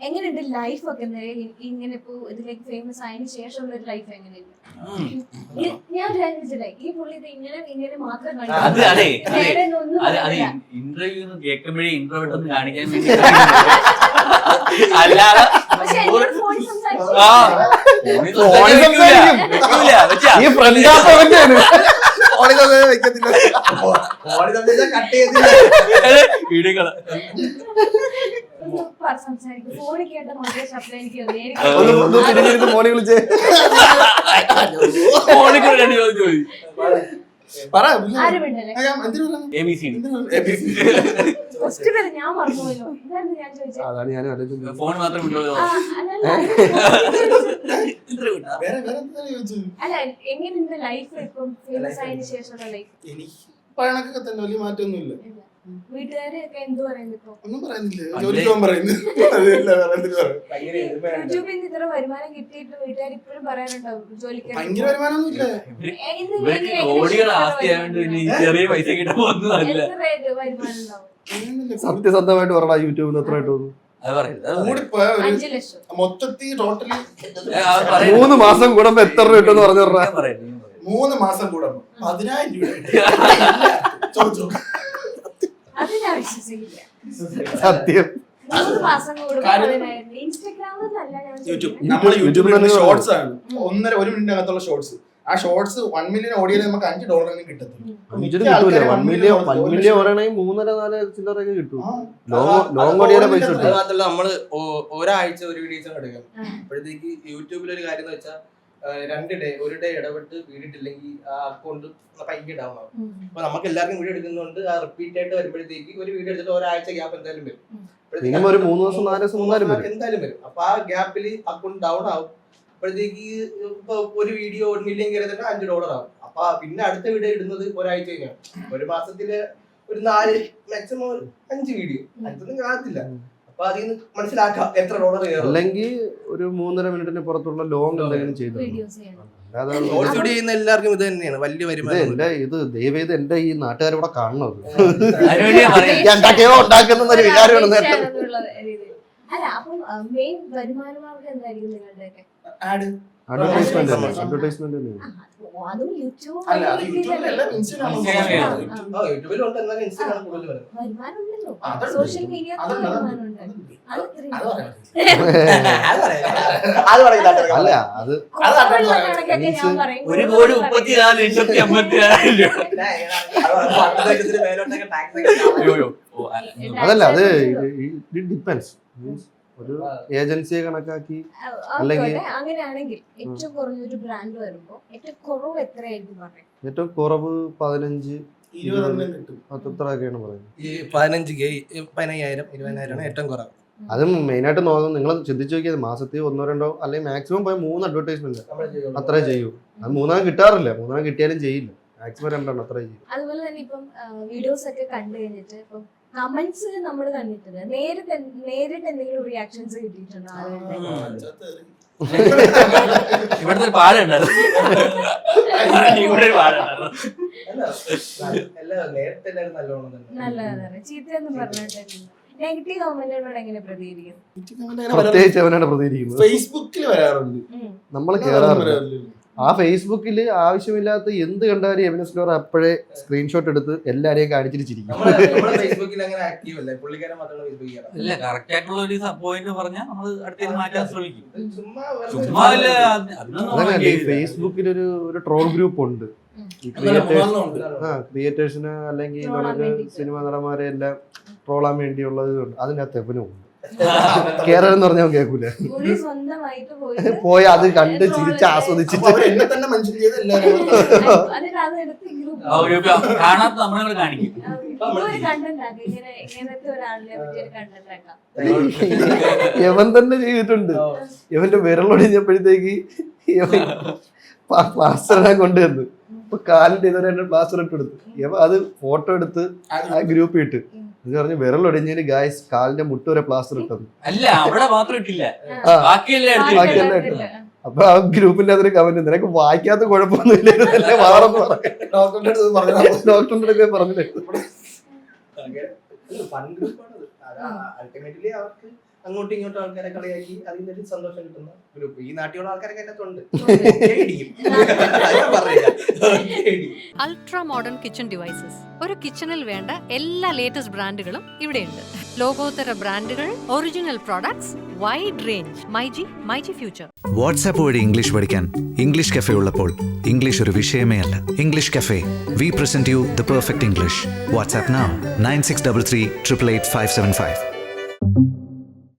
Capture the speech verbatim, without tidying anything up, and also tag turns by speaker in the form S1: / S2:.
S1: എങ്ങനെയുണ്ട് ലൈഫ് ഒക്കെ? ഇങ്ങനെ ഇപ്പൊ ഇതിലേക്ക് ഫേമസ് ആയതിനു ശേഷമുള്ള ഒരു ലൈഫ് എങ്ങനെയുണ്ട്? ഞാൻ വിചാരിച്ചില്ലേ ഈ പുള്ളി ഇത് ഇങ്ങനെ ഇങ്ങനെ മാത്രം
S2: ഇന്റർവ്യൂ കേൾക്കുമ്പോഴേ ഇൻട്രോവേർട്ട് ഒന്ന് കാണിക്കാൻ വേണ്ടി അല്ലാതെ
S1: ഫോണിൽ കേട്ട മാത്രമേ ശബ്ദം എനിക്ക്
S3: മോനെ വിളിച്ചേ
S1: ഞാൻ മറന്നുപോയല്ലോ. ഞാൻ ചോദിച്ചത്
S3: അതാണ് ഞാൻ
S2: ഫോൺ മാത്രം
S1: അല്ല എങ്ങനെയുണ്ട് ലൈഫ് ഇപ്പം ഫേമസ് ആയതിനു ശേഷമുള്ള ലൈഫ്?
S4: പഴണക്കൊക്കെ തന്നെ വലിയ മാറ്റമൊന്നുമില്ല.
S1: വീട്ടുകാരൊക്കെ എന്ത് പറയുന്നു ഇപ്പൊ?
S4: ഒന്നും പറയുന്നില്ല, ജോലിക്ക് പോകാൻ പറയുന്നു.
S1: യൂട്യൂബിൽ നിന്ന് ഇത്ര വരുമാനം കിട്ടിയിട്ട് വീട്ടുകാർ ഇപ്പോഴും പറയാനുണ്ടാവും ജോലിക്ക്
S4: ഭയങ്കര വരുമാനമൊന്നുമില്ല.
S2: കോടികൾ ആസ്തിയായോണ്ട് ചെറിയ പൈസ കിട്ടുമ്പോന്നല്ല.
S1: വരുമാനം ഉണ്ടാവും?
S3: സത്യസന്ധമായിട്ട് പറയടാ, യൂട്യൂബിൽ എത്ര കിട്ടും?
S1: അഞ്ചു ലക്ഷം
S4: മൊത്തത്തിൽ ടോട്ടലി
S3: മൂന്ന് മാസം കൂടുമ്പോ എത്ര രൂപ കിട്ടും പറഞ്ഞു പറഞ്ഞ?
S4: മൂന്ന് മാസം കൂടുമ്പോ പതിനായിരം രൂപ.
S1: അത് ഞാൻ വിശ്വസിക്കില്ല.
S3: സത്യം.
S1: മൂന്ന് മാസം കൂടുമ്പോ ഇൻസ്റ്റാഗ്രാമിലല്ല ഞാൻ
S4: നമ്മള് യൂട്യൂബിൽ ഷോർട്സ് ആണ്, ഒന്നര ഒരു മിനിറ്റ് അകത്തുള്ള ഷോർട്സ്. ആ ഷോർട്സ് വൺ മില്യൺ ഓടിയാൽ നമുക്ക് അഞ്ച് ഡോളറിന് കിട്ടത്തില്ല.
S3: വൺ മില്യൺ വൺ മില്യൺ ഓടണമെങ്കിൽ മൂന്നര നാല് ചില്ലറൊക്കെ കിട്ടും. ലോങ് ഓടിയാലേ പൈസ കിട്ടും.
S5: അതുമാത്രല്ല നമ്മള് ഒരാഴ്ച ഒരു വീഡിയോസ് എടുക്കും. അപ്പോഴത്തേക്ക് യൂട്യൂബിൽ ഒരു കാര്യം എന്ന് വെച്ചാൽ രണ്ട് ഡേ ഒരു ഡേ ഇടപെട്ട് വീഡിയോ ഇട്ടില്ലെങ്കിൽ ആ അക്കൗണ്ട് പൈക്ക് ഡൗൺ ആവും. അപ്പൊ നമുക്ക് എല്ലാവർക്കും വീഡിയോ എടുക്കുന്നതുകൊണ്ട് ആ റിപ്പീറ്റ് ആയിട്ട് വരുമ്പോഴത്തേക്ക് ഒരു വീഡിയോ എടുത്തിട്ട് ഒരാഴ്ച ഗ്യാപ്പ് എന്തായാലും വരും.
S3: ഒരു മൂന്ന് ദിവസം നാല് ദിവസം
S5: എന്തായാലും വരും. അപ്പൊ ആ ഗ്യാപ്പിൽ അക്കൗണ്ട് ഡൗൺ ആവും. അപ്പോഴത്തേക്ക് ഇപ്പൊ ഒരു വീഡിയോ ഒരു മില്യൺ കയറി തന്നെ അഞ്ച് ഡോളർ ആവും. അപ്പൊ പിന്നെ അടുത്ത വീഡിയോ ഇടുന്നത് ഒരാഴ്ച കഴിഞ്ഞാണ്. ഒരു മാസത്തില് ഒരു നാല് മാക്സിമം ഒരു അഞ്ച് വീഡിയോ അഞ്ചൊന്നും കാണത്തില്ല. അപ്പൊ അതിൽ നിന്ന് മനസ്സിലാക്കാം എത്ര ഡോളർ കയറും.
S3: അല്ലെങ്കിൽ ഒരു മൂന്നര മിനിറ്റിന് പുറത്തുള്ള ലോങ് എന്തെങ്കിലും ചെയ്തു.
S5: ചെയ്യുന്ന എല്ലാവർക്കും ഇത് തന്നെയാണ് വലിയ വരുമാനം.
S3: ഇത് ദയവേത് എന്റെ ഈ നാട്ടുകാരിവിടെ കാണുന്നത് എന്തൊക്കെയോ ഉണ്ടാക്കുന്ന ഒരു വികാരമാണ്.
S1: അല്ല അപ്പം മെയിൻ വരുമാന മാർഗം എന്തായിരിക്കും നിങ്ങളുടെയൊക്കെ?
S3: അഡ്വർടൈസ്മെന്റ് അഡ്വർടൈസ്മെന്റ്
S1: അതും യൂട്യൂബ് സോഷ്യൽ മീഡിയ
S3: അല്ല അത്
S2: ഒരു കോടി മുപ്പത്തി നാല് ലക്ഷത്തി അമ്പത്തി ആയിരം രൂപ.
S3: അതല്ല, അത് ഇറ്റ് ഡിപ്പെൻസ്. ഒരു ഏജൻസിയെ കണക്കാക്കി അല്ലെങ്കിൽ
S1: അങ്ങനെയാണെങ്കിൽ ഏറ്റവും കുറഞ്ഞൊരു ബ്രാൻഡ് വരുമ്പോ ഏറ്റവും കുറവ് എത്രയായിരിക്കും പറയുന്നത്?
S3: ഏറ്റവും കുറവ് പതിനഞ്ച് അത്രയൊക്കെയാണ് പറയുന്നത്.
S5: പതിനഞ്ച് പതിനയ്യായിരം ഇരുപതിനായിരം ഏറ്റവും കുറവ്.
S3: അതും മെയിനായിട്ട് നോക്കുന്നത് നിങ്ങൾ ചിന്തിച്ചു നോക്കിയത് മാസത്തിൽ ഒന്നോ രണ്ടോ അല്ലെങ്കിൽ മാക്സിമം പോയി മൂന്ന് അഡ്വർടൈസ്മെന്റ് അത്രേ ചെയ്യൂ. അത് മൂന്നാം കിട്ടാറില്ല, മൂന്നാം കിട്ടിയാലും ചെയ്യില്ല. മാക്സിമം രണ്ടെണ്ണം അത്രേ ചെയ്യും.
S1: അതുപോലെ തന്നെ ഇപ്പം വീഡിയോസ് ഒക്കെ കണ്ടു കഴിഞ്ഞിട്ട് ഇപ്പം കമന്റ്സ് നമ്മൾ കണ്ടിട്ടുണ്ട്, നേരിട്ട് നേരിട്ട് എന്തെങ്കിലും റിയാക്ഷൻസ് കിട്ടിയിട്ടുണ്ടോ?
S2: ഇവിടുത്തെ ഒരു പാടുണ്ടായിരുന്നു.
S1: നല്ലതാണ്. ചീത്തയൊന്നും പറഞ്ഞിട്ടില്ല. നെഗറ്റീവ് കമന്റുകളോട് എങ്ങനെ പ്രതികരിക്കും?
S3: പ്രത്യേകിച്ച് അവനാണ് പ്രതികരിക്കുന്നത്.
S4: ഫേസ്ബുക്കിൽ വരാറുണ്ട്,
S3: നമ്മൾ കേറാറില്ല. ആ ഫേസ്ബുക്കില് ആവശ്യമില്ലാത്ത എന്ത് കണ്ടാലും എവിനസ് സ്റ്റോർ അപ്പോഴേ സ്ക്രീൻഷോട്ട് എടുത്ത് എല്ലാരെയും കാണിച്ചിരിക്കും.
S2: ഇല്ല, കറക്റ്റ് ആയിട്ടുള്ള ഒരു പോയിന്റ് പറഞ്ഞാൽ നമ്മൾ അടുത്തേക്ക് മാറ്റാൻ ശ്രമിക്കും.
S3: ഫേസ്ബുക്കിൽ ഒരു ഒരു ട്രോൾ ഗ്രൂപ്പ് ഉണ്ട്. ആ ക്രിയേറ്റേഴ്സിന് അല്ലെങ്കിൽ നമുക്ക് സിനിമ നടന്മാരെ എല്ലാം ട്രോളാൻ വേണ്ടിയുള്ളത് അതിനകത്ത് എവനും ഉണ്ട്. കേരളം എന്ന് പറഞ്ഞാൽ കേൾക്കൂല, പോയി അത് കണ്ട് ചിരിച്ച് ആസ്വദിച്ചിട്ട്
S4: എന്നെ തന്നെ മെൻഷൻ ചെയ്ത് എല്ലാവരും
S2: കാണാത്ത നമ്മളെ കാണിക്കും.
S3: യവൻ തന്നെ ചെയ്തിട്ടുണ്ട്. യവന്റെ വിരലൊടിഞ്ഞപ്പോഴത്തേക്ക് പ്ലാസ്റ്റർ ഇടാൻ കൊണ്ടുവന്നു. ഇപ്പൊ കാലിന്റെ ഇതുവരെ പ്ലാസ്റ്റർ ഇട്ട് എടുത്തു. യവ അത് ഫോട്ടോ എടുത്ത് ആ ഗ്രൂപ്പിൽ ഇട്ട് എന്ന് പറഞ്ഞ് വിരലൊടിഞ്ഞതിന് ഗായ്സ് കാലിന്റെ മുട്ട് വരെ പ്ലാസ്റ്റർ ഇട്ടത്.
S2: അല്ല, അവിടെ മാത്രം ഇട്ടില്ല,
S3: ബാക്കിയെല്ലാം ഇട്ടു. അപ്പൊ ആ ഗ്രൂപ്പിന്റെ അതൊരു കമന്റ്, നിനക്ക് വായിക്കാത്ത കുഴപ്പമൊന്നുമില്ല, ഡോക്ടറിന്റെ അടുത്ത് പറഞ്ഞിട്ട്
S5: അങ്ങോട്ടും ഇങ്ങോട്ടും ആൾക്കാരെ കളിയാക്കി അതിൽ ഒരു സന്തോഷം കിട്ടുന്ന ഗ്രൂപ്പ്. ഈ നാട്ടിലുള്ള ആൾക്കാരൊക്കെ അതിനകത്തുണ്ട്.
S6: Ultra modern kitchen devices. ഒരു കിച്ചണിൽ വേണ്ട എല്ലാ ലേറ്റസ്റ്റ് ബ്രാൻഡുകളും ഇവിടെയുണ്ട്. ലോകോത്തര ബ്രാൻഡുകൾ, original products, wide range. MyG myG future.
S7: WhatsApp വഴി ഇംഗ്ലീഷ് പഠിക്കാൻ ഇംഗ്ലീഷ് കഫേ ഉള്ളപ്പോൾ ഇംഗ്ലീഷ് ഒരു വിഷയമേ അല്ല. English cafe, we present you the perfect English. WhatsApp now nine six three three eight eight five seven five.